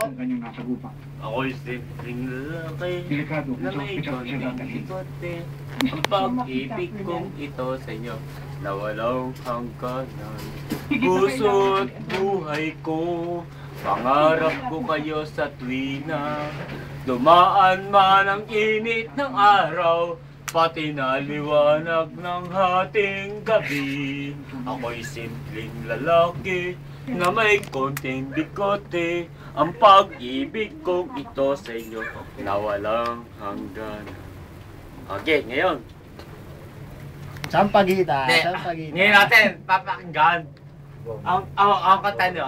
ang kanyang nasagupa. Ako'y simpleng lalaki Delikado na sa may ospital siya konting dadalhin. bigote. Ang pag-ibig kong ito sa inyo na walang hangganan. Puso't buhay ko, pangarap ko kayo sa tuwina. Dumaan man ang init ng araw, pati na liwanag ng hating gabi. Ako'y simpleng lalaki na may konting bigote. Ang pag-ibig kong ito sa inyo na walang hangganan. Okay, ngayon. Sampagita, sampagita. Ngayon natin, papakinggan. Ang kanta niyo,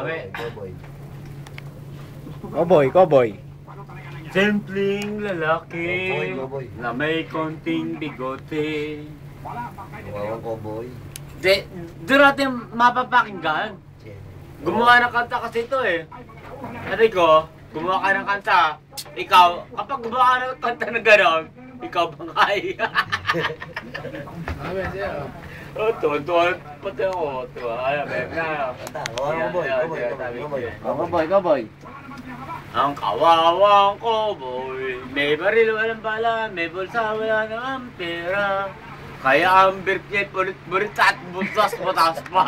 Cowboy. simpleng lalaki na may konting bigote. Cowboy. Doon natin mapapakinggan. Gumawa ng kanta kasi ito eh. Sabi ko, gumawa ka ng kanta. Ikaw, kapag gumawa ka ng kanta na gano'n, ikaw bangay. Oh, tuwan-tuwan. Pati ako, tuwa. Ayan, Cowboy. Ang kawawang cowboy, may baril walang bala, may bulsa wala namang pera. Kaya ang birknet bulit at butas pa.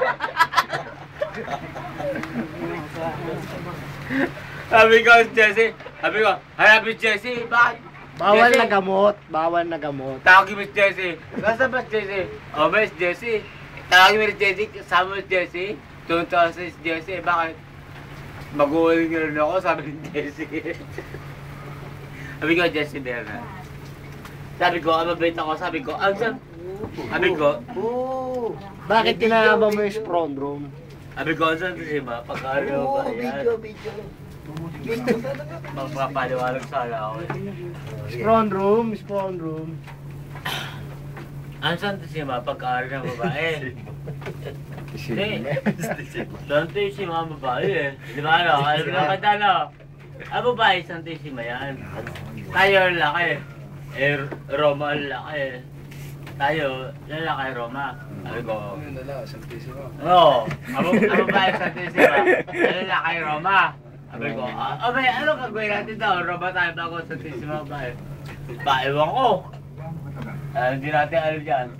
Sabi ko, Jesse, hanapin Jesse, bakit? Bawal Jesse, na gamot. tawagin mo si Jesse. Nasa ba si Jesse? O, may si Jesse. Tawagin mo si Jesse, kasama mo si Jesse. Tuntua sa si Jesse, bakit? Mag-uuling rin ako, sabi ni Jesse. Sabi ko, Jesse Berna. Sabi ko, mabait ako, sabi ko, sabi ko, Bakit kinahaba mo yung spawn room? sabi ko, saan si Ma? Pagkaraw ba yan? Video. Magpapaliwalag sana ako eh. Spawn room. Ano saan si Ma? Pagkaraw ng babae? Hindi. Santo si Ma babae eh. Di ba ano? Alam mo naman ano? Ang babae, santo si Ma yan. Tayo ang laki. Roma ang laki. Tayo, lalaki Roma. Sabi ko. Oo. Ang babae, santo si Ma. Lalaki Roma. Sabi ko, abay, ano gagawin natin daw? Roma tayo bago santo si Ma babae. Ewan ko. Hindi natin alam dyan.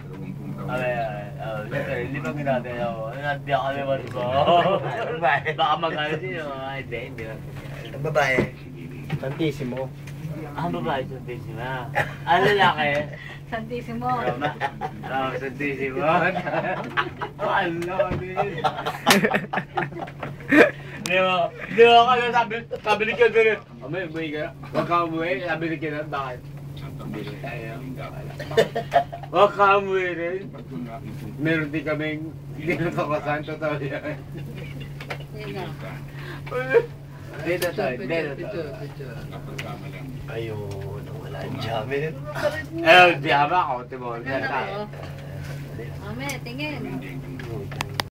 Hindi pa ginagawa ako. Hindi ako naman ko. Baka mag-alas yun. Hindi lang. Ang babae. Santissimo. Ang babae, Santissimo. Ang lalaki? Santissimo. Roma. Oo, Santissimo. Ano din. Di ba ka na sabi ni Kyo ganun. May umuwi ka na. Huwag ka umuwi. Sabi ni Kyo na, bakit? Huwag ka umuwi rin. Meron din kaming hindi natakasan. Totoo yan. Dito to. Ayun, wala ang jamin. Di ba ako? Timo. Ame, tingin.